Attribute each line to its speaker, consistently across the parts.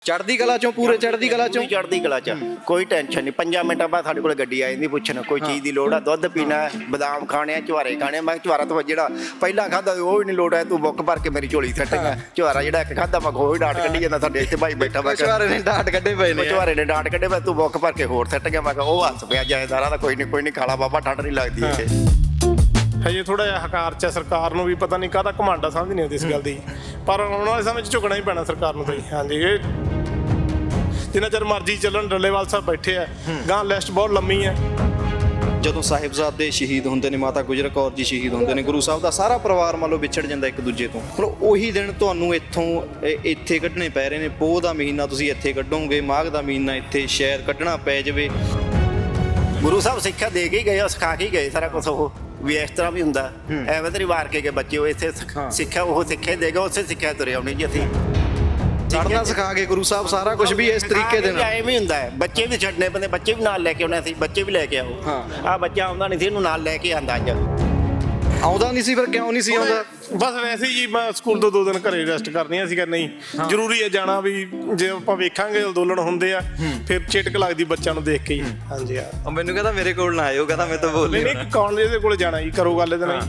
Speaker 1: ਚੜ੍ਹਦੀ ਕਲਾ ਚੋਂ ਪੂਰੇ ਚੜ੍ਹਦੀ ਕਲਾ ਚੋਂ
Speaker 2: ਚੜ੍ਹਦੀ ਕਲਾ ਚ ਕੋਈ ਟੈਨਸ਼ਨ ਨਹੀਂ। 5 ਮਿੰਟਾਂ ਬਾਅਦ ਸਾਡੇ ਕੋਲ ਗੱਡੀ ਆ ਜਾਂਦੀ ਪੁੱਛਣ ਕੋਈ ਚੀਜ਼ ਦੀ ਲੋੜ ਆ, ਦੁੱਧ ਪੀਣਾ, ਬਦਾਮ ਖਾਣੇ ਆ, ਚੁਹਾਰੇ ਖਾਣੇ ਆ। ਮੈਂ ਚੁਹਾਰਾ ਤੋਂ ਜਿਹੜਾ ਪਹਿਲਾਂ ਖਾਦਾ ਉਹ ਵੀ ਨਹੀਂ ਲੋੜ ਹੈ, ਤੂੰ ਬੁੱਕ ਭਰ ਕੇ ਮੇਰੀ ਝੋਲੀ ਸੱਟ ਗਿਆ। ਚੁਹਾਰਾ ਜਿਹੜਾ ਇੱਕ ਖਾਦਾ ਮੈਂ ਉਹ ਹੀ ਡਾਟ ਕੱਢੀ ਜਾਂਦਾ। ਸਾਡੇ ਇੱਥੇ ਭਾਈ ਬੈਠਾ ਵਾ,
Speaker 1: ਚੁਹਾਰੇ ਨੇ ਡਾਟ ਕੱਢੇ ਪਏ ਨੇ,
Speaker 2: ਚੁਹਾਰੇ ਨੇ ਡਾਟ ਕੱਢੇ ਪਏ, ਤੂੰ ਬੁੱਕ ਭਰ ਕੇ ਹੋਰ ਸੱਟ ਗਿਆ। ਮੈਂ ਕਿਹਾ ਉਹ ਹੱਸ ਪਿਆ ਜਾਇਦਾਰਾਂ ਦਾ, ਕੋਈ ਨਹੀਂ ਖਾਲਾ ਬਾਬਾ, ਠੰਡ ਨਹੀਂ ਲੱਗਦੀ ਇੱਥੇ।
Speaker 3: ਹਜੇ ਥੋੜਾ ਜਿਹਾ ਹਕਾਰ ਚ ਸਰਕਾਰ ਨੂੰ ਵੀ ਪਤਾ ਨਹੀਂ ਕਾਹਦਾ ਘਮੰਡ ਆ, ਸਮਝ ਨਹੀਂ ਆਉਂਦੀ ਇਸ ਗੱਲ ਦੀ। ਪਰ ਆਉਣ ਵਾਲੇ ਸਮੇਂ 'ਚ ਝੁਕਣਾ ਹੀ ਪੈਣਾ ਸਰਕਾਰ ਨੂੰ ਤਾਂ ਜੀ। ਹਾਂਜੀ, ਇਹ ਜਿੰਨਾ ਚਿਰ ਮਰਜ਼ੀ ਚੱਲਣ। ਡੱਲੇਵਾਲ ਸਾਹਿਬ ਬੈਠੇ ਆ, ਗਾਂ ਲਿਸਟ ਬਹੁਤ ਲੰਮੀ ਹੈ।
Speaker 1: ਜਦੋਂ ਸਾਹਿਬਜ਼ਾਦੇ ਸ਼ਹੀਦ ਹੁੰਦੇ ਨੇ, ਮਾਤਾ ਗੁਜਰ ਕੌਰ ਜੀ ਸ਼ਹੀਦ ਹੁੰਦੇ ਨੇ, ਗੁਰੂ ਸਾਹਿਬ ਦਾ ਸਾਰਾ ਪਰਿਵਾਰ ਮੰਨ ਲਓ ਵਿਛੜ ਜਾਂਦਾ ਇੱਕ ਦੂਜੇ ਤੋਂ। ਹੁਣ ਉਹੀ ਦਿਨ ਤੁਹਾਨੂੰ ਇੱਥੇ ਕੱਢਣੇ ਪੈ ਰਹੇ ਨੇ। ਪੋਹ ਦਾ ਮਹੀਨਾ ਤੁਸੀਂ ਇੱਥੇ ਕੱਢੋਗੇ, ਮਾਘ ਦਾ ਮਹੀਨਾ ਇੱਥੇ ਸ਼ਾਇਦ ਕੱਢਣਾ ਪੈ ਜਾਵੇ।
Speaker 2: ਗੁਰੂ ਸਾਹਿਬ ਸਿੱਖਿਆ ਦੇ ਕੇ ਹੀ ਗਏ, ਉਹ ਸਿਖਾ ਕੇ ਹੀ ਗਏ ਸਾਰਾ ਕੁਝ। ਉਹ ਵੀ ਇਸ ਤਰ੍ਹਾਂ ਵੀ ਹੁੰਦਾ, ਐਵੇਂ ਤਾਂ ਨਹੀਂ ਵਾਰ ਕੇ ਬੱਚੇ ਉਹ ਇੱਥੇ ਸਿੱਖਿਆ ਉਹ ਸਿੱਖਿਆ ਦੇਗਾ, ਉਸੇ ਸਿੱਖਿਆ ਤੁਰੇ ਆਉਣੀ ਜੀ ਅਸੀਂ।
Speaker 1: ਚੜ੍ਹਨਾ ਸਿਖਾ ਕੇ ਗੁਰੂ ਸਾਹਿਬ ਸਾਰਾ ਕੁਝ ਵੀ ਇਸ ਤਰੀਕੇ ਦੇ ਨਾਲ
Speaker 2: ਐਵੇਂ ਹੁੰਦਾ ਹੈ। ਬੱਚੇ ਵੀ ਛੱਡਣੇ ਪੈਂਦੇ, ਬੱਚੇ ਵੀ ਨਾਲ ਲੈ ਕੇ ਆਉਣੇ ਸੀ, ਬੱਚੇ ਵੀ ਲੈ ਕੇ ਆਓ। ਆਹ ਬੱਚਾ ਆਉਂਦਾ ਨਹੀਂ ਸੀ, ਇਹਨੂੰ ਨਾਲ ਲੈ ਕੇ ਆਂਦਾ। ਅੱਜ
Speaker 1: ਆਉਂਦਾ ਨਹੀਂ ਸੀ, ਫਿਰ ਕਿਉਂ ਨਹੀਂ ਸੀ ਆਉਂਦਾ?
Speaker 3: ਬਸ ਵੈਸੇ ਹੀ ਜੀ, ਮੈਂ ਸਕੂਲ ਤੋਂ 2 ਦਿਨ ਘਰੇ ਰੈਸਟ ਕਰਨੀਆਂ ਸੀਗਾ। ਨਹੀਂ ਜ਼ਰੂਰੀ ਹੈ ਜਾਣਾ ਵੀ, ਜੇ ਆਪਾਂ ਵੇਖਾਂਗੇ ਅੰਦੋਲਨ ਹੁੰਦੇ ਆ ਫਿਰ ਚਿਟਕ ਲੱਗਦੀ ਬੱਚਿਆਂ ਨੂੰ ਦੇਖ ਕੇ ਹੀ। ਹਾਂਜੀ ਆ
Speaker 1: ਮੈਨੂੰ ਕਹਿੰਦਾ ਮੇਰੇ ਕੋਲ ਨਾ ਆਇਓ, ਕਹਿੰਦਾ ਮੈਂ ਤਾਂ ਬੋਲ
Speaker 3: ਨਹੀਂ ਕਾਲਜ ਦੇ ਕੋਲ ਜਾਣਾ ਜੀ, ਕਰੋ ਗੱਲ ਇਹਦੇ ਨਾਲ।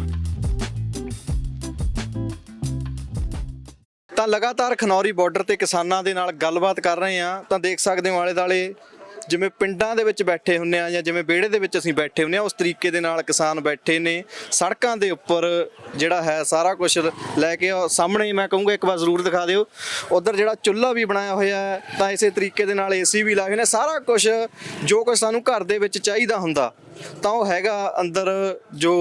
Speaker 1: ਤਾਂ ਲਗਾਤਾਰ ਖਨੌਰੀ ਬਾਰਡਰ ਤੇ ਕਿਸਾਨਾਂ ਦੇ ਨਾਲ ਗੱਲਬਾਤ ਕਰ ਰਹੇ ਆ। ਤਾਂ ਦੇਖ ਸਕਦੇ ਹੋ ਆਲੇ ਦੁਆਲੇ ਜਿਵੇਂ ਪਿੰਡਾਂ ਦੇ ਵਿੱਚ ਬੈਠੇ ਹੁੰਨੇ ਆ, ਜਾਂ ਜਿਵੇਂ ਵਿਹੜੇ ਦੇ ਵਿੱਚ ਅਸੀਂ ਬੈਠੇ ਹੁੰਨੇ ਆ, ਉਸ ਤਰੀਕੇ ਦੇ ਨਾਲ ਕਿਸਾਨ ਬੈਠੇ ਨੇ ਸੜਕਾਂ ਦੇ ਉੱਪਰ। ਜਿਹੜਾ ਹੈ ਸਾਰਾ ਕੁਝ ਲੈ ਕੇ ਸਾਹਮਣੇ ਮੈਂ ਕਹੂੰਗਾ ਇੱਕ ਵਾਰ ਜ਼ਰੂਰ ਦਿਖਾ ਦਿਓ। ਉਧਰ ਜਿਹੜਾ ਚੁੱਲ੍ਹਾ ਵੀ ਬਣਾਇਆ ਹੋਇਆ ਹੈ, ਤਾਂ ਇਸੇ ਤਰੀਕੇ ਦੇ ਨਾਲ ਏਸੀ ਵੀ ਲਾਏ ਹੋਏ ਨੇ। ਸਾਰਾ ਕੁਝ ਜੋ ਕੁਝ ਸਾਨੂੰ ਘਰ ਦੇ ਵਿੱਚ ਚਾਹੀਦਾ ਹੁੰਦਾ ਤਾਂ ਉਹ ਹੈਗਾ ਅੰਦਰ। ਜੋ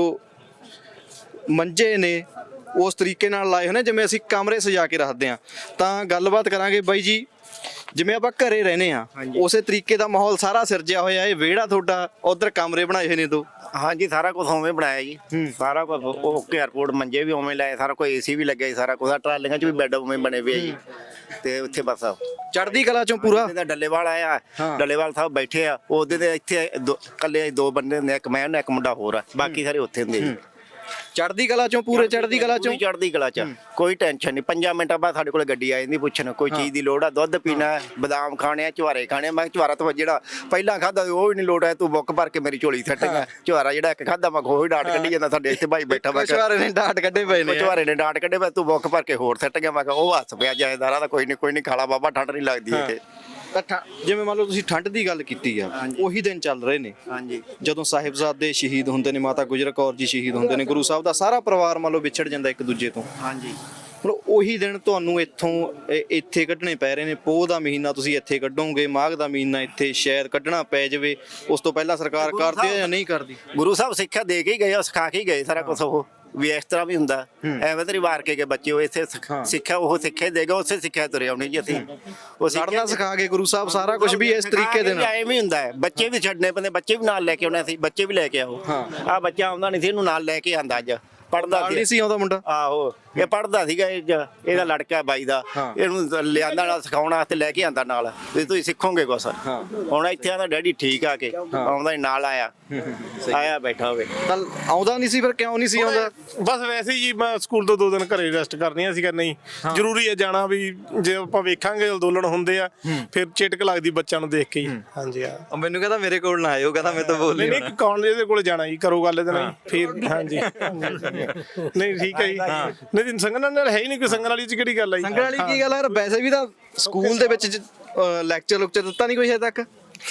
Speaker 1: ਮੰਜੇ ਨੇ ਉਸ ਤਰੀਕੇ ਨਾਲ ਲਾਏ ਹੋਏ ਨੇ ਜਿਵੇਂ ਅਸੀਂ ਕਮਰੇ ਸਜਾ ਕੇ ਰੱਖਦੇ ਹਾਂ। ਤਾਂ ਗੱਲਬਾਤ ਕਰਾਂਗੇ ਬਾਈ ਜੀ, ਜਿਵੇਂ ਆਪਾਂ ਘਰੇ ਰਹਿੰਦੇ ਆ ਉਸੇ ਤਰੀਕੇ ਦਾ ਮਾਹੌਲ ਸਾਰਾ ਸਿਰਜਿਆ ਹੋਇਆ। ਇਹ ਵਿਹੜਾ ਤੁਹਾਡਾ, ਉਧਰ ਕਮਰੇ ਬਣਾਏ ਹੋਏ ਨੇ 2।
Speaker 2: ਹਾਂਜੀ, ਸਾਰਾ ਕੁਝ ਉਵੇਂ ਬਣਾਇਆ ਜੀ। ਸਾਰਾ ਕੁਝ ਓਕੇ, 에어ਪੋਰਟ ਮੰਜੇ ਵੀ ਉਵੇਂ ਲਾਏ, ਸਾਰਾ ਕੋਈ ਏਸੀ ਵੀ ਲੱਗਿਆ ਜੀ, ਸਾਰਾ ਕੁਝ। ਟਰਾਲੀਆਂ 'ਚ ਵੀ ਬੈੱਡ ਉਵੇਂ ਬਣੇ ਪਏ ਜੀ। ਤੇ ਉੱਥੇ ਬਸ
Speaker 1: ਚੜ੍ਹਦੀ ਕਲਾ ਚੋਂ ਪੂਰਾ
Speaker 2: ਡੱਲੇਵਾਲ ਆਇਆ, ਡੱਲੇਵਾਲ ਸਾਹਿਬ ਬੈਠੇ ਆ। ਉਹਦੇ ਦੇ ਇੱਥੇ ਇਕੱਲੇ 2 ਬੰਦੇ ਹੁੰਦੇ, ਇੱਕ ਮੈਂ ਇੱਕ ਮੁੰਡਾ ਹੋਰ ਆ, ਬਾਕੀ ਸਾਰੇ ਉੱਥੇ ਹੁੰਦੇ ਜੀ।
Speaker 1: ਚੜ੍ਹਦੀ ਕਲਾ ਚੋਂ ਪੂਰੇ ਚੜ੍ਹਦੀ ਕਲਾ ਚੋਂ
Speaker 2: ਚੜ੍ਹਦੀ ਕਲਾ ਚ ਕੋਈ ਟੈਨਸ਼ਨ ਨਹੀਂ। 5 ਮਿੰਟਾਂ ਬਾਅਦ ਸਾਡੇ ਕੋਲ ਗੱਡੀ ਆ ਜਾਂਦੀ ਪੁੱਛਣ ਕੋਈ ਚੀਜ਼ ਦੀ ਲੋੜ ਆ, ਦੁੱਧ ਪੀਣਾ, ਬਦਾਮ ਖਾਣੇ ਆ, ਚੁਹਾਰੇ ਖਾਣੇ ਆ। ਮੈਂ ਚੁਹਾਰਾ ਤੋਂ ਜਿਹੜਾ ਪਹਿਲਾਂ ਖਾਦਾ ਉਹ ਵੀ ਨਹੀਂ ਲੋੜ ਹੈ, ਤੂੰ ਬੁੱਕ ਭਰ ਕੇ ਮੇਰੀ ਝੋਲੀ ਸੱਟ ਗਿਆ। ਚੁਹਾਰਾ ਜਿਹੜਾ ਇੱਕ ਖਾਦਾ ਮੈਂ ਉਹ ਹੀ ਡਾਟ ਕੱਢੀ ਜਾਂਦਾ। ਸਾਡੇ ਇੱਥੇ ਭਾਈ ਬੈਠਾ ਵਾ,
Speaker 1: ਚੁਹਾਰੇ ਨੇ ਡਾਟ ਕੱਢੇ ਪਏ ਨੇ,
Speaker 2: ਚੁਹਾਰੇ ਨੇ ਡਾਟ ਕੱਢੇ ਪਏ, ਤੂੰ ਬੁੱਕ ਭਰ ਕੇ ਹੋਰ ਸੱਟ ਗਿਆ। ਮੈਂ ਕਿਹਾ ਉਹ ਹੱਸ ਪਿਆ ਜਾਇਦਾਰਾਂ ਦਾ, ਕੋਈ ਨਹੀਂ ਖਾਲਾ ਬਾਬਾ, ਠੰਡ ਨਹੀਂ ਲੱਗਦੀ ਇੱਥੇ।
Speaker 1: ਜਿਵੇਂ ਮੰਨ ਲਓ ਤੁਸੀਂ ਠੰਡ ਦੀ ਗੱਲ ਕੀਤੀ ਆ, ਉਹੀ ਦਿਨ ਚੱਲ ਰਹੇ ਨੇ।
Speaker 2: ਹਾਂਜੀ,
Speaker 1: ਜਦੋਂ ਸਾਹਿਬਜ਼ਾਦੇ ਸ਼ਹੀਦ ਹੁੰਦੇ ਨੇ, ਮਾਤਾ ਗੁਜਰ ਕੌਰ ਜੀ ਸ਼ਹੀਦ ਹੁੰਦੇ ਨੇ, ਗੁਰੂ ਸਾਹਿਬ ਦਾ ਸਾਰਾ ਪਰਿਵਾਰ ਮੰਨ ਲਓ ਵਿਛੜ ਜਾਂਦਾ ਇੱਕ ਦੂਜੇ ਤੋਂ।
Speaker 2: ਹਾਂਜੀ,
Speaker 1: ਹੁਣ ਉਹੀ ਦਿਨ ਤੁਹਾਨੂੰ ਇੱਥੇ ਕੱਢਣੇ ਪੈ ਰਹੇ ਨੇ। ਪੋਹ ਦਾ ਮਹੀਨਾ ਤੁਸੀਂ ਇੱਥੇ ਕੱਢੋਗੇ, ਮਾਘ ਦਾ ਮਹੀਨਾ ਇੱਥੇ ਸ਼ਾਇਦ ਕੱਢਣਾ ਪੈ ਜਾਵੇ। ਉਸ ਤੋਂ ਪਹਿਲਾਂ ਸਰਕਾਰ ਕਰਦੀ ਹੈ ਜਾਂ ਨਹੀਂ ਕਰਦੀ?
Speaker 2: ਗੁਰੂ ਸਾਹਿਬ ਸਿੱਖਿਆ ਦੇ ਕੇ ਹੀ ਗਏ, ਉਹ ਸਿਖਾ ਕੇ ਹੀ ਗਏ ਸਾਰਾ ਕੁਝ। ਉਹ ਵੀ ਇਸ ਤਰ੍ਹਾਂ ਵੀ ਹੁੰਦਾ, ਐਵੇਂ ਤਾਂ ਨਹੀਂ ਵਾਰ ਕੇ ਬੱਚੇ ਉਹ ਇੱਥੇ ਸਿੱਖਿਆ ਉਹ ਸਿੱਖਿਆ ਦੇਗਾ, ਉਸੇ ਸਿੱਖਿਆ ਤੁਰੇ ਆਉਣੀ ਜੀ ਅਸੀਂ। ਉਹ
Speaker 1: ਚੜ੍ਹਨਾ ਸਿਖਾ ਕੇ ਗੁਰੂ ਸਾਹਿਬ ਸਾਰਾ ਕੁਝ ਵੀ ਇਸ ਤਰੀਕੇ ਦੇ ਨਾਲ
Speaker 2: ਐਵੇਂ ਹੁੰਦਾ ਹੈ। ਬੱਚੇ ਵੀ ਛੱਡਣੇ ਪੈਂਦੇ, ਬੱਚੇ ਵੀ ਨਾਲ ਲੈ ਕੇ ਆਉਣੇ ਸੀ, ਬੱਚੇ ਵੀ ਲੈ ਕੇ ਆਓ। ਆਹ ਬੱਚਾ ਆਉਂਦਾ ਨਹੀਂ ਸੀ, ਇਹਨੂੰ ਨਾਲ ਲੈ ਕੇ ਆਂਦਾ। ਅੱਜ ਪੜ੍ਹਦਾ
Speaker 1: ਸੀ ਆਉਂਦਾ ਮੁੰਡਾ।
Speaker 2: ਆਹੋ, ਇਹ ਪੜ੍ਹਦਾ ਸੀਗਾ, ਇਹਦਾ ਲੜਕਾ ਬਾਈ ਦਾ। ਇਹਨੂੰ ਲਿਆਂਦਾ ਨਾਲ ਸਿਖਾਉਣ ਵਾਸਤੇ, ਲੈ ਕੇ ਆਂਦਾ ਨਾਲ ਵੀ ਤੁਸੀਂ ਸਿੱਖੋਗੇ ਕੁਛ। ਹੁਣ ਇੱਥੇ ਆਂਦਾ ਡੈਡੀ ਠੀਕ ਆ ਕੇ ਆਉਂਦਾ ਨਾਲ ਆਇਆ ਬੈਠਾ ਹੋਵੇ।
Speaker 1: ਤਾਂ ਆਉਂਦਾ ਨਹੀਂ ਸੀ, ਫਿਰ ਕਿਉਂ ਨਹੀਂ ਸੀ ਆਉਂਦਾ?
Speaker 3: ਬਸ ਵੈਸੇ ਹੀ ਜੀ, ਮੈਂ ਸਕੂਲ ਤੋਂ 2 ਦਿਨ ਘਰੇ ਰੈਸਟ ਕਰਨੀਆਂ ਸੀਗਾ। ਨਹੀਂ ਜ਼ਰੂਰੀ ਹੈ ਜਾਣਾ ਵੀ, ਜੇ ਆਪਾਂ ਵੇਖਾਂਗੇ ਅੰਦੋਲਨ ਹੁੰਦੇ ਆ ਫਿਰ ਚਿਟਕ ਲੱਗਦੀ ਬੱਚਿਆਂ ਨੂੰ ਦੇਖ ਕੇ ਹੀ। ਹਾਂਜੀ ਆ
Speaker 1: ਮੈਨੂੰ ਕਹਿੰਦਾ ਮੇਰੇ ਕੋਲ ਨਾ ਆਇਓ, ਕਹਿੰਦਾ ਮੈਂ ਤਾਂ ਬੋਲ
Speaker 3: ਨਹੀਂ ਕਾਲਜ ਦੇ ਕੋਲ ਜਾਣਾ ਜੀ, ਕਰੋ ਗੱਲ ਇਹਦੇ ਨਾਲ ਫਿਰ। ਹਾਂਜੀ ਨਹੀਂ ਠੀਕ ਹੈ ਜੀ। ਨਹੀਂ ਸੰਗਣ ਨਾਲ ਹੈ ਹੀ ਨਹੀਂ ਕੋਈ, ਸੰਗਣ ਵਾਲੀ ਚ ਕਿਹੜੀ ਗੱਲ ਆ ਜੀ?
Speaker 1: ਸੰਗਣ ਵਾਲੀ ਕੀ ਗੱਲ ਹੈ? ਵੈਸੇ ਵੀ ਤਾਂ ਸਕੂਲ ਦੇ ਵਿੱਚ ਲੈਕਚਰ ਦਿੱਤਾ ਨਹੀਂ ਕੋਈ ਹਜੇ ਤੱਕ।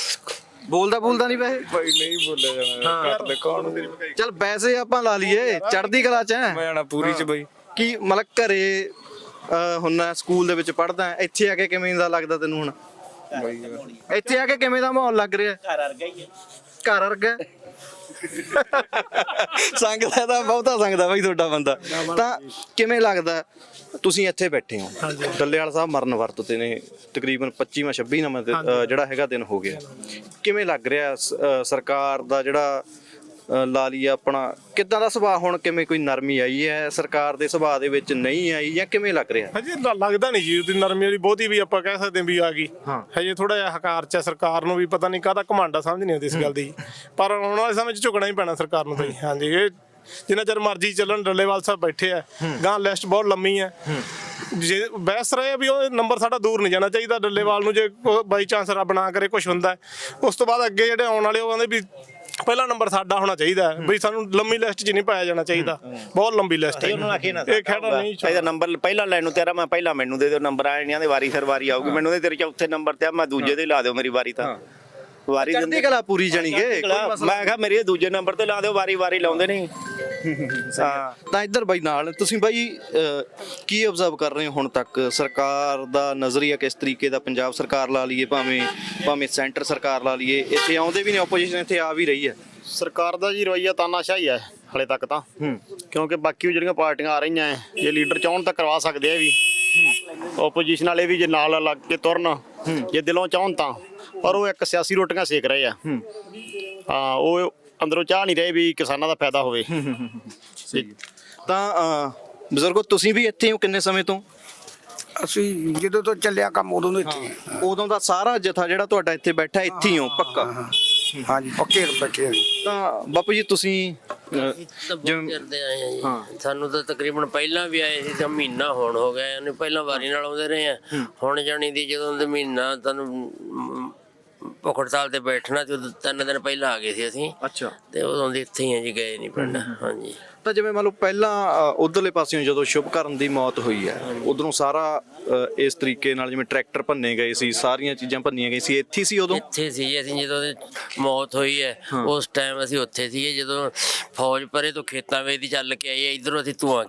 Speaker 1: ਬੋਲਦਾ ਨਹੀਂ ਵੈਸੇ?
Speaker 3: ਭਾਈ ਨਹੀਂ ਬੋਲਿਆ ਜਾਣਾ, ਘਰ ਦੇ ਕੌਣ।
Speaker 1: ਚੱਲ ਵੈਸੇ ਆਪਾਂ ਲਾ ਲਈਏ ਚੜ੍ਹਦੀ ਕਲਾ ਚ
Speaker 3: ਮੈਂ ਜਾਣਾ ਪੂਰੀ ਚ ਬਈ।
Speaker 1: ਕੀ ਮਤਲਬ ਘਰੇ ਹੁੰਨਾ, ਸਕੂਲ ਦੇ ਵਿੱਚ ਪੜ੍ਹਦਾ, ਇੱਥੇ ਆ ਕੇ ਕਿਵੇਂ ਦਾ ਲੱਗਦਾ ਤੈਨੂੰ? ਹੁਣ ਇੱਥੇ ਆ ਕੇ ਕਿਵੇਂ ਦਾ ਮਾਹੌਲ ਲੱਗ ਰਿਹਾ?
Speaker 2: ਘਰ ਵਰਗਾ ਹੀ ਹੈ।
Speaker 1: ਘਰ ਵਰਗਾ ਸੰਗਦਾ ਤਾਂ ਬਹੁਤਾ ਸੰਗਦਾ ਬਈ ਤੁਹਾਡਾ ਬੰਦਾ। ਤਾਂ ਕਿਵੇਂ ਲੱਗਦਾ? ਤੁਸੀਂ ਇੱਥੇ ਬੈਠੇ ਹੋ, ਡੱਲੇਵਾਲ ਸਾਹਿਬ ਮਰਨ ਵਰਤ ਤੇ ਨੇ, ਤਕਰੀਬਨ 25ਵਾਂ 26ਵਾਂ ਜਿਹੜਾ ਹੈਗਾ ਦਿਨ ਹੋ ਗਿਆ। ਕਿਵੇਂ ਲੱਗ ਰਿਹਾ ਸਰਕਾਰ ਦਾ ਜਿਹੜਾ ਲਾ ਲਈ ਆਪਣਾ, ਕਿੱਦਾਂ ਦਾ ਸੁਭਾਅ? ਹੁਣ ਕਿਵੇਂ ਕੋਈ ਨਰਮੀ ਆਈ ਹੈ ਸਰਕਾਰ ਦੇ ਸੁਭਾਅ ਦੇ ਵਿੱਚ, ਨਹੀਂ ਆਈ, ਜਾਂ ਕਿਵੇਂ ਲੱਗ ਰਿਹਾ?
Speaker 3: ਹਜੇ ਲੱਗਦਾ ਨਹੀਂ ਜੀ ਉਹਦੀ ਨਰਮੀ ਵਾਲੀ ਬਹੁਤੀ ਵੀ ਆਪਾਂ ਕਹਿ ਸਕਦੇ ਵੀ ਆ ਗਈ। ਹਜੇ ਥੋੜਾ ਜਿਹਾ ਹਕਾਰ ਚ ਸਰਕਾਰ ਨੂੰ ਵੀ ਪਤਾ ਨਹੀਂ ਕਾਹਦਾ ਘਮੰਡ ਆ, ਸਮਝ ਨਹੀਂ ਆਉਂਦੀ ਇਸ ਗੱਲ ਦੀ। ਪਰ ਆਉਣ ਵਾਲੇ ਸਮੇਂ 'ਚ ਝੁਕਣਾ ਹੀ ਪੈਣਾ ਸਰਕਾਰ ਨੂੰ ਤਾਂ ਜੀ। ਹਾਂਜੀ, ਇਹ ਜਿੰਨਾ ਚਿਰ ਮਰਜ਼ੀ ਚੱਲਣ। ਡੱਲੇਵਾਲ ਸਾਹਿਬ ਬੈਠੇ ਆ, ਗਾਂ ਲਿਸਟ ਬਹੁਤ ਲੰਮੀ ਹੈ। ਜੇ ਬਹਿਸ ਰਹੇ ਆ ਵੀ ਉਹ ਨੰਬਰ ਸਾਡਾ ਦੂਰ ਨਹੀਂ ਜਾਣਾ ਚਾਹੀਦਾ ਡੱਲੇਵਾਲ ਨੂੰ, ਜੇ ਬਾਈ ਚਾਂਸ ਰੱਬ ਨਾ ਕਰੇ ਕੁਝ ਹੁੰਦਾ ਉਸ ਤੋਂ ਬਾਅਦ ਅੱਗੇ ਜਿਹੜੇ ਆਉਣ ਵਾਲੇ ਉਹ ਕਹਿੰਦੇ ਵੀ ਪਹਿਲਾ ਨੰਬਰ ਸਾਡਾ ਹੋਣਾ ਚਾਹੀਦਾ ਬਈ ਸਾਨੂੰ ਲੰਮੀ ਲਿਸਟ 'ਚ ਨਹੀਂ ਪਾਇਆ ਜਾਣਾ ਚਾਹੀਦਾ, ਬਹੁਤ ਲੰਬੀ ਲਿਸਟ ਹੈ ਇਹ ਖੜਾ ਨਹੀਂ
Speaker 2: ਇਹਦਾ ਨੰਬਰ ਪਹਿਲਾਂ ਲੈਣ ਨੂੰ ਤੇਰਾ ਮੈਂ ਪਹਿਲਾਂ ਮੈਨੂੰ ਦੇ ਦਿਓ ਨੰਬਰ ਆਏ ਨਹੀਂ ਆਂਦੇ ਵਾਰੀ ਸਰ ਵਾਰੀ ਆਊਗੀ ਮੈਨੂੰ ਤੇ ਤੇਰੇ ਚੌਥੇ ਨੰਬਰ ਤੇ ਆ ਮੈਂ ਦੂਜੇ ਤੇ ਲਾ ਦਿਓ ਮੇਰੀ ਵਾਰੀ ਤਾਂ ਵਾਰੀ
Speaker 1: ਚੜ੍ਹਦੀ ਕਲਾ ਪੂਰੀ ਜਾਣੀ ਕਿ
Speaker 2: ਮੈਂ ਕਿਹਾ ਮੇਰੇ ਦੂਜੇ ਨੰਬਰ ਤੇ ਲਾ ਦਿਓ ਵਾਰੀ ਵਾਰੀ ਲਾਉਂਦੇ ਨਹੀਂ ਹਾਂ
Speaker 1: ਤਾਂ ਇੱਧਰ ਬਾਈ ਨਾਲ ਤੁਸੀਂ ਬਾਈ ਕੀ ਆਬਜ਼ਰਵ ਕਰ ਰਹੇ ਹੋ ਹੁਣ ਤੱਕ ਸਰਕਾਰ ਦਾ ਨਜ਼ਰੀਆ ਕਿਸ ਤਰੀਕੇ ਦਾ, ਪੰਜਾਬ ਸਰਕਾਰ ਲਾ ਲਈਏ ਭਾਵੇਂ ਸੈਂਟਰ ਸਰਕਾਰ ਲਾ ਲਈਏ, ਇੱਥੇ ਆਉਂਦੇ ਵੀ ਨੇ ਆਪੋਜੀਸ਼ਨ ਇੱਥੇ ਆ ਵੀ ਰਹੀ ਹੈ।
Speaker 4: ਸਰਕਾਰ ਦਾ ਜੀ ਰਵੱਈਆ ਤਾਨਾਸ਼ਾਹੀ ਹੈ ਹਲੇ ਤੱਕ ਤਾਂ, ਕਿਉਂਕਿ ਬਾਕੀ ਜਿਹੜੀਆਂ ਪਾਰਟੀਆਂ ਆ ਰਹੀਆਂ ਹੈ ਜੇ ਲੀਡਰ ਚਾਹਣ ਤਾਂ ਕਰਵਾ ਸਕਦੇ ਆ ਵੀ, ਆਪੋਜੀਸ਼ਨ ਵਾਲੇ ਵੀ ਜੇ ਨਾਲ ਲੱਗ ਕੇ ਤੁਰਨ ਜੇ ਦਿਲੋਂ ਚਾਹਣ ਤਾਂ, ਪਰ ਉਹ ਇੱਕ ਸਿਆਸੀ ਰੋਟੀਆਂ ਸੇਕ ਰਹੇ ਆ। ਹਾਂ ਉਹ ਅੰਦਰੋਂ ਚਾਹ ਨਹੀਂ ਰਹੇ ਵੀ ਕਿਸਾਨਾਂ ਦਾ ਫਾਇਦਾ ਹੋਵੇ।
Speaker 1: ਤਾਂ ਬਜ਼ੁਰਗੋ ਤੁਸੀਂ ਵੀ ਇੱਥੇ ਹੋ ਕਿੰਨੇ ਸਮੇਂ ਤੋਂ?
Speaker 5: ਅਸੀਂ ਜਦੋਂ ਤੋਂ ਚੱਲਿਆ ਕੰਮ ਉਦੋਂ ਤੋਂ ਇੱਥੇ
Speaker 1: ਉਦੋਂ ਦਾ ਸਾਰਾ ਜਥਾ ਜਿਹੜਾ ਤੁਹਾਡਾ ਇੱਥੇ ਬੈਠਾ ਇੱਥੇ ਹੀ ਹੋ ਪੱਕਾ?
Speaker 5: ਹਾਂਜੀ ਪੱਕੇ ਬੈਠੇ ਹਾਂ ਜੀ।
Speaker 1: ਤਾਂ ਬਾਪੂ ਜੀ ਤੁਸੀਂ
Speaker 6: ਕਰਦੇ ਆਏ ਆ ਜੀ, ਸਾਨੂੰ ਤਾਂ ਤਕਰੀਬਨ ਪਹਿਲਾਂ ਵੀ ਆਏ ਸੀ ਤਾਂ ਮਹੀਨਾ ਹੋਣ ਹੋ ਗਿਆ, ਇਹਨੂੰ ਪਹਿਲਾਂ ਵਾਰੀ ਨਾਲ ਆਉਂਦੇ ਰਹੇ ਆ। ਹੁਣ ਜਾਣੀ ਦੀ ਜਦੋਂ ਦੇ ਮਹੀਨਾ ਤੁਹਾਨੂੰ ਭੁੱਖ ਹੜਤਾਲ ਤੇ ਬੈਠਣਾ ਤੇ 3 ਦਿਨ ਪਹਿਲਾਂ ਆ ਗਏ ਸੀ ਅਸੀਂ।
Speaker 1: ਅੱਛਾ।
Speaker 6: ਤੇ ਉਦੋਂ ਦੇ ਇੱਥੇ ਹੀ ਆ ਜੀ, ਗਏ ਨਹੀਂ ਪਿੰਡ। ਹਾਂਜੀ
Speaker 1: ਤਾਂ ਜਿਵੇਂ ਮੰਨ ਲਓ ਪਹਿਲਾਂ ਉਧਰਲੇ ਪਾਸਿਓਂ ਜਦੋਂ ਸ਼ੁਭਕਰਨ ਦੀ ਮੌਤ ਹੋਈ ਹੈ ਉਧਰੋਂ ਸਾਰਾ ਇਸ ਤਰੀਕੇ ਨਾਲ ਜਿਵੇਂ ਟਰੈਕਟਰ ਭੰਨੇ ਗਏ ਸੀ, ਸਾਰੀਆਂ ਚੀਜ਼ਾਂ ਭੰਨੀਆਂ ਗਈ ਸੀ, ਇੱਥੇ ਸੀ ਉਦੋਂ?
Speaker 6: ਇੱਥੇ ਸੀ ਅਸੀਂ ਜਦੋਂ ਉਹਦੀ ਮੌਤ ਹੋਈ ਹੈ ਉਸ ਟਾਈਮ ਅਸੀਂ ਉੱਥੇ ਸੀਗੇ, ਜਦੋਂ ਫੌਜ ਪਰੇ ਤੋਂ ਖੇਤਾਂ ਵੇਚ ਦੀ ਚੱਲ ਕੇ ਆਈ ਹੈ, ਇੱਧਰੋਂ ਅਸੀਂ ਧੂੰਆਂ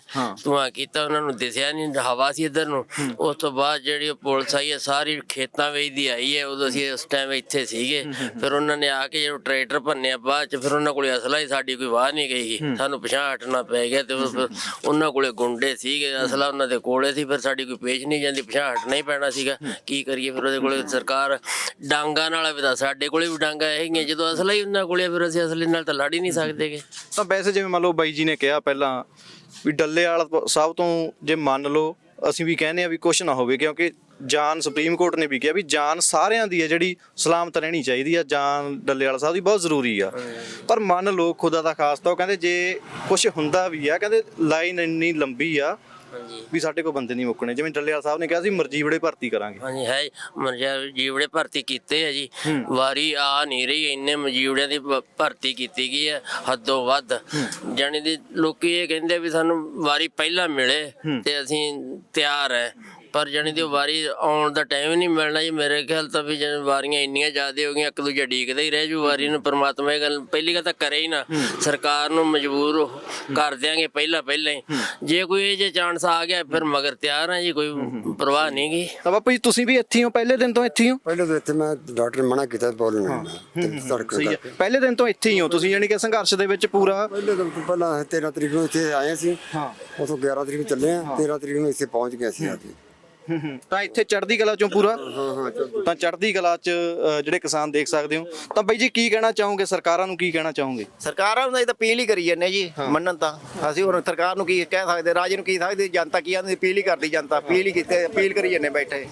Speaker 6: ਕੀਤਾ ਉਹਨਾਂ ਨੂੰ ਦਿਸਿਆ ਨਹੀਂ, ਹਵਾ ਸੀ ਇੱਧਰ ਨੂੰ। ਉਸ ਤੋਂ ਬਾਅਦ ਜਿਹੜੀ ਪੁਲਿਸ ਆਈ ਹੈ ਸਾਰੀ ਖੇਤਾਂ ਵੇਚ ਦੀ ਆਈ ਹੈ, ਉਦੋਂ ਅਸੀਂ ਉਸ ਟਾਈਮ ਇੱਥੇ ਸੀਗੇ। ਫਿਰ ਉਹਨਾਂ ਨੇ ਆ ਕੇ ਜਦੋਂ ਟਰੈਕਟਰ ਭੰਨਿਆ ਬਾਅਦ ਚ ਫਿਰ ਉਹਨਾਂ ਕੋਲ ਅਸਲਾ ਹੀ ਸਾਡੀ ਕੋਈ ਵਾਹ ਨਹੀਂ ਗਈ, ਸਾਨੂੰ ਪਿਛਾਂਹ ਹਟਣਾ ਪੈ ਗਿਆ। ਤੇ ਉਹਨਾਂ ਕੋਲੇ ਗੁੰਡੇ ਸੀਗੇ, ਅਸਲਾ ਉਹਨਾਂ ਦੇ ਕੋਲੇ ਸੀ, ਫਿਰ ਸਾਡੀ ਕੋਈ ਪੇਚ ਨਹੀਂ ਜਾਂਦੀ, ਪਿਛਾਂਹ ਹਟਣਾ ਹੀ ਪੈਣਾ ਸੀਗਾ। ਕੀ ਕਰੀਏ ਫਿਰ ਉਹਦੇ ਕੋਲੇ ਸਰਕਾਰ ਡਾਂਗਾ ਨਾਲ ਵੀ, ਸਾਡੇ ਕੋਲੇ ਵੀ ਡਾਂਗਾ ਹੈਗੀਆਂ, ਜਦੋਂ ਅਸਲਾ ਹੀ ਉਹਨਾਂ ਕੋਲੇ ਫਿਰ ਅਸੀਂ ਅਸਲੇ ਨਾਲ ਤਾਂ ਲੜ ਹੀ ਨਹੀਂ ਸਕਦੇਗੇ।
Speaker 1: ਤਾਂ ਵੈਸੇ ਜਿਵੇਂ ਮੰਨ ਲਓ ਬਾਈ ਜੀ ਨੇ ਕਿਹਾ ਪਹਿਲਾਂ ਵੀ ਡੱਲੇਵਾਲ ਸਾਹਿਬ ਤੋਂ ਜੇ ਮੰਨ ਲਓ ਅਸੀਂ ਵੀ ਕਹਿੰਦੇ ਆ ਵੀ ਕੁਛ ਨਾ ਹੋਵੇ, ਕਿਉਂਕਿ ਜਾਨ ਸੁਪਰੀਮ ਕੋਰਟ ਨੇ ਵੀ ਕਿਹਾ ਵੀ ਜਾਨ ਸਾਰਿਆਂ ਦੀ ਹੈ ਜਿਹੜੀ ਸਲਾਮਤ ਰਹਿਣੀ ਚਾਹੀਦੀ ਆ, ਜਾਨ ਡੱਲੇਵਾਲ ਸਾਹਿਬ ਦੀ ਬਹੁਤ ਜ਼ਰੂਰੀ ਆ। ਪਰ ਮੰਨ ਲਓ ਖੁਦਾ ਦਾ ਖਾਸਤਾ ਉਹ ਕਹਿੰਦੇ ਜੇ ਕੁਛ ਹੁੰਦਾ ਵੀ ਆ, ਕਹਿੰਦੇ ਲਾਈਨ ਇੰਨੀ ਲੰਬੀ ਆ ਵੀ ਸਾਡੇ ਕੋਲ ਬੰਦੇ ਨਹੀਂ ਮੁੱਕਣੇ। ਜਿਵੇਂ ਡੱਲੇਵਾਲ ਸਾਹਿਬ ਨੇ ਕਿਹਾ ਸੀ ਮਰਜੀਵੜੇ ਭਰਤੀ ਕਰਾਂਗੇ।
Speaker 6: ਹਾਂਜੀ ਹੈ ਮਰਜੀਵੜੇ ਭਰਤੀ ਕੀਤੇ ਆ ਜੀ, ਵਾਰੀ ਆ ਨਹੀਂ ਰਹੀ, ਇੰਨੇ ਮਜੀਵੜਿਆਂ ਦੀ ਭਰਤੀ ਕੀਤੀ ਗਈ ਹੈ ਹੱਦੋਂ ਵੱਧ। ਜਾਣੀ ਦੀ ਲੋਕੀ ਇਹ ਕਹਿੰਦੇ ਵੀ ਸਾਨੂੰ ਵਾਰੀ ਪਹਿਲਾਂ ਮਿਲੇ ਤੇ ਅਸੀਂ ਤਿਆਰ ਹੈ, ਪਰ ਜਾਣੀ ਦੀ ਵਾਰੀ ਆਉਣ ਦਾ ਟਾਈਮ ਹੀ ਨਹੀਂ ਮਿਲਣਾ ਜੀ। ਮੇਰੇ ਖਿਆਲ ਤਾਂ ਵੀ ਜਿਵੇਂ ਵਾਰੀਆਂ ਇੰਨੀਆਂ ਜ਼ਿਆਦਾ ਹੋ ਗਈਆਂ, ਇੱਕ ਦੂਜਾ ਡੀਕਦਾ ਹੀ ਰਹਿ ਜੂ ਵਾਰੀ ਨੂੰ। ਪਰਮਾਤਮਾ ਇਹ ਗੱਲ ਪਹਿਲੀ ਗੱਲ ਤਾਂ ਕਰੇ ਹੀ ਨਾ, ਸਰਕਾਰ ਨੂੰ ਮਜਬੂਰ ਕਰ ਦਿਆਂਗੇ ਪਹਿਲਾਂ ਹੀ। ਜੇ ਕੋਈ ਇਹ ਜੇ ਚਾਂਸ ਆ ਗਿਆ ਫਿਰ ਮਗਰ ਤਿਆਰ ਆ ਜੀ, ਕੋਈ ਪਰਵਾਹ ਨਹੀਂ ਗੀ।
Speaker 1: ਤਾਂ ਬਾਪੂ ਜੀ ਤੁਸੀਂ ਵੀ ਇੱਥੇ ਹੋ, ਪਹਿਲੇ ਦਿਨ ਤੋਂ ਇੱਥੇ ਹੋ?
Speaker 5: ਪਹਿਲੇ ਤੋਂ ਇੱਥੇ ਮੈਂ ਡਾਕਟਰ ਮਨਾ ਕੀਤਾ ਬੋਲਣਾ
Speaker 1: ਸਹੀ ਹੈ, ਪਹਿਲੇ ਦਿਨ ਤੋਂ ਇੱਥੇ ਹੀ ਹੋ ਤੁਸੀਂ, ਯਾਨੀ ਕਿ ਸੰਘਰਸ਼ ਦੇ ਵਿੱਚ ਪੂਰਾ?
Speaker 5: ਪਹਿਲੇ ਦਿਨ ਤੋਂ ਪਹਿਲਾਂ 13 ਤਰੀਕ ਨੂੰ ਇੱਥੇ ਆਏ ਸੀ, ਉਥੋਂ 11 ਤਰੀਕ ਨੂੰ ਚੱਲੇ ਆ, 13 ਤਰੀਕ ਨੂੰ ਇੱਥੇ ਪਹੁੰਚ ਗਏ ਸੀ ਆ ਕੇ।
Speaker 1: ਤਾਂ ਇੱਥੇ ਚੜ੍ਹਦੀ ਕਲਾ ਚੋਂ ਪੂਰਾ? ਤਾਂ ਚੜ੍ਹਦੀ ਕਲਾ ਚ ਜਿਹੜੇ ਕਿਸਾਨ ਦੇਖ ਸਕਦੇ ਹੋ। ਤਾਂ ਬਾਈ ਜੀ ਕੀ ਕਹਿਣਾ ਚਾਹੋਗੇ, ਸਰਕਾਰਾਂ ਨੂੰ ਕੀ ਕਹਿਣਾ ਚਾਹੋਗੇ?
Speaker 2: ਸਰਕਾਰਾਂ ਨੂੰ ਤਾਂ ਅਪੀਲ ਹੀ ਕਰੀ ਜਾਂਦੇ ਜੀ, ਮੰਨਣ ਤਾਂ ਅਸੀਂ ਹੁਣ ਸਰਕਾਰ ਨੂੰ ਕੀ ਕਹਿ ਸਕਦੇ, ਰਾਜੇ ਨੂੰ ਕੀ ਸਕਦੇ, ਜਨਤਾ ਕੀ ਆਂਦੀ ਅਪੀਲ ਹੀ ਕਰਦੀ, ਜਨਤਾ ਅਪੀਲ ਹੀ ਕੀਤੇ, ਅਪੀਲ ਕਰੀ ਜਾਂਦੇ ਬੈਠੇ।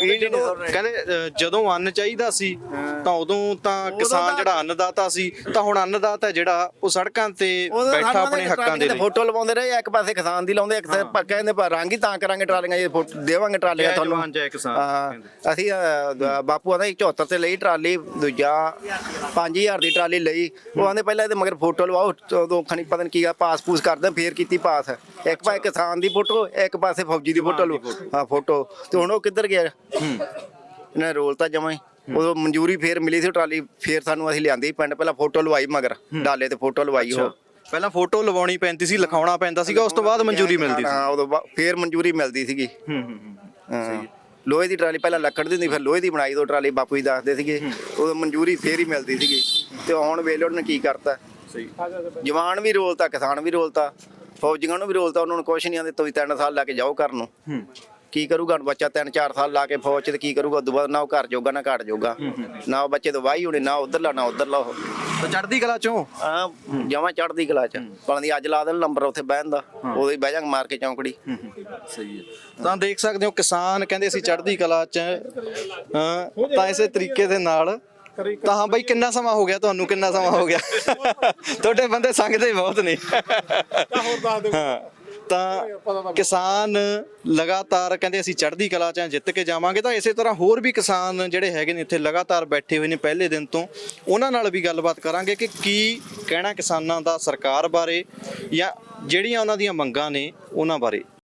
Speaker 1: ਕਹਿੰਦੇ ਜਦੋਂ ਅੰਨ ਚਾਹੀਦਾ ਸੀ ਤਾਂ ਉਦੋਂ ਤਾਂ ਕਿਸਾਨ ਜਿਹੜਾ ਅੰਨਦਾਤਾ ਸੀ, ਤਾਂ ਹੁਣ ਅੰਨਦਾਤਾ ਜਿਹੜਾ ਉਹ ਸੜਕਾਂ ਤੇ ਬੈਠਾ ਆਪਣੇ ਹੱਕਾਂ ਦੇ ਲਈ
Speaker 2: ਫੋਟੋ ਲਵਾਉਂਦੇ ਰਹੇ, ਇੱਕ ਪਾਸੇ ਕਿਸਾਨ ਦੀ ਲਾਉਂਦੇ, ਇੱਕ ਕਹਿੰਦੇ ਰੰਗ ਹੀ ਤਾਂ ਕਰਾਂਗੇ ਟਰਾਲੀਆਂ, ਜੇ ਦੇਵਾਂਗੇ ਟਰਾਲੀਆਂ ਤੁਹਾਨੂੰ। ਅਸੀਂ ਬਾਪੂ ਆਂਦਾ 74 ਤੇ ਲਈ ਟਰਾਲੀ, ਦੂਜਾ 5000 ਦੀ ਟਰਾਲੀ ਲਈ। ਉਹ ਆਂਦੇ ਪਹਿਲਾਂ ਇਹਦੇ ਮਗਰ ਫੋਟੋ ਲਵਾਓ, ਉਦੋਂ ਖਣੀ ਪਤਾ ਨਹੀਂ ਕੀ ਆ, ਪਾਸ ਪੂਸ ਕਰਦੇ, ਫੇਰ ਕੀਤੀ ਪਾਸ। ਇੱਕ ਪਾਸੇ ਕਿਸਾਨ ਦੀ ਫੋਟੋ, ਇੱਕ ਪਾਸੇ ਫੌਜੀ ਦੀ ਫੋਟੋ ਲਓ। ਹਾਂ ਫੋਟੋ ਤੇ ਹੁਣ ਉਹ ਕਿੱਧਰ ਗਿਆ? ਇਹਨੇ ਰੋਲ ਤਾਂ ਜਮਾਂ ਹੀ। ਉਦੋਂ ਮਨਜ਼ੂਰੀ ਫੇਰ ਮਿਲੀ ਸੀ ਟਰਾਲੀ, ਫੇਰ ਸਾਨੂੰ ਅਸੀਂ ਲਿਆਂਦੀ ਪਿੰਡ, ਪਹਿਲਾਂ ਫੋਟੋ ਲਵਾਈ ਮਗਰ ਡਾਲੇ ਤੇ ਫੋਟੋ ਲਵਾਈ। ਉਹ
Speaker 1: ਪਹਿਲਾਂ ਫੋਟੋ ਲਵਾਉਣੀ ਪੈਂਦੀ ਸੀ, ਲਿਖਾਉਣਾ ਪੈਂਦਾ ਸੀਗਾ, ਉਸ ਤੋਂ ਬਾਅਦ ਮਨਜ਼ੂਰੀ ਮਿਲਦੀ ਸੀ।
Speaker 2: ਹਾਂ ਉਦੋਂ ਫੇਰ ਮਨਜ਼ੂਰੀ ਮਿਲਦੀ ਸੀਗੀ। ਲੋਹੇ ਦੀ ਟਰਾਲੀ ਪਹਿਲਾਂ ਲੱਕੜ ਦੀ ਹੁੰਦੀ, ਫਿਰ ਲੋਹੇ ਦੀ ਬਣਾਈ ਦੋ ਟਰਾਲੀ, ਬਾਪੂ ਜੀ ਦੱਸਦੇ ਸੀਗੇ, ਉਦੋਂ ਮਨਜ਼ੂਰੀ ਫੇਰ ਹੀ ਮਿਲਦੀ ਸੀਗੀ। ਤੇ ਹੁਣ ਵੇਲੇ ਉਹਨੇ ਕੀ ਕਰਤਾ, ਜਵਾਨ ਵੀ ਰੋਲਤਾ, ਕਿਸਾਨ ਵੀ ਰੋਲਤਾ, ਫੌਜੀਆਂ ਨੂੰ ਵੀ ਰੋਲਤਾ। ਉਹਨਾਂ ਨੂੰ ਕੁਛ ਨਹੀਂ ਆਂਦੇ, ਤੁਸੀਂ 3 ਸਾਲ ਲਾ ਕੇ ਜਾਓ ਘਰ ਨੂੰ। ਕੀ ਕਰੂਗਾ ਬੱਚਾ 3-4 ਸਾਲ ਲਾ ਕੇ ਫੌਜ 'ਚ, ਤੇ ਕੀ ਕਰੂਗਾ ਉਦੋਂ ਬਾਅਦ? ਨਾ ਉਹ ਘਰ ਜੋਗਾ ਨਾ ਘਾਟ ਜੋਗਾ, ਨਾ ਉਹ ਬੱਚੇ ਤੋਂ ਵਾਹੀ ਹੋਣੀ, ਨਾ ਉਧਰਲਾ ਨਾ ਉਧਰਲਾ। ਉਹ
Speaker 1: ਤਾਂ ਚੜ੍ਹਦੀ ਕਲਾ ਚੋਂ
Speaker 2: ਜਮਾਂ ਚੜ੍ਹਦੀ ਕਲਾ 'ਚ ਪਾਉਂਦੀ। ਅੱਜ ਲਾ ਦੇਣ ਨੰਬਰ ਉੱਥੇ ਬਹਿਣ ਦਾ, ਉਦੋਂ ਹੀ ਬਹਿ ਜਾਵਾਂਗੇ ਮਾਰ ਕੇ ਚੌਂਕੜੀ।
Speaker 1: ਸਹੀ ਹੈ। ਤਾਂ ਦੇਖ ਸਕਦੇ ਹੋ ਕਿਸਾਨ ਕਹਿੰਦੇ ਅਸੀਂ ਚੜ੍ਹਦੀ ਕਲਾ 'ਚ। ਤਾਂ ਇਸੇ ਤਰੀਕੇ ਦੇ ਨਾਲ ਤਾਂ ਹਾਂ ਬਾਈ ਕਿੰਨਾ ਸਮਾਂ ਹੋ ਗਿਆ ਤੁਹਾਨੂੰ, ਕਿੰਨਾ ਸਮਾਂ ਹੋ ਗਿਆ? ਤੁਹਾਡੇ ਬੰਦੇ ਸੰਗਦੇ ਬਹੁਤ ਨੇ। ਤਾਂ ਕਿਸਾਨ ਲਗਾਤਾਰ ਕਹਿੰਦੇ ਅਸੀਂ ਚੜ੍ਹਦੀ ਕਲਾ 'ਚ ਜਿੱਤ ਕੇ ਜਾਵਾਂਗੇ। ਤਾਂ ਇਸੇ ਤਰ੍ਹਾਂ ਹੋਰ ਵੀ ਕਿਸਾਨ ਜਿਹੜੇ ਹੈਗੇ ਨੇ ਇੱਥੇ ਲਗਾਤਾਰ ਬੈਠੇ ਹੋਏ ਨੇ ਪਹਿਲੇ ਦਿਨ ਤੋਂ, ਉਹਨਾਂ ਨਾਲ ਵੀ ਗੱਲਬਾਤ ਕਰਾਂਗੇ ਕਿ ਕੀ ਕਹਿਣਾ ਕਿਸਾਨਾਂ ਦਾ ਸਰਕਾਰ ਬਾਰੇ ਜਾਂ ਜਿਹੜੀਆਂ ਉਹਨਾਂ ਦੀਆਂ ਮੰਗਾਂ ਨੇ ਉਹਨਾਂ ਬਾਰੇ।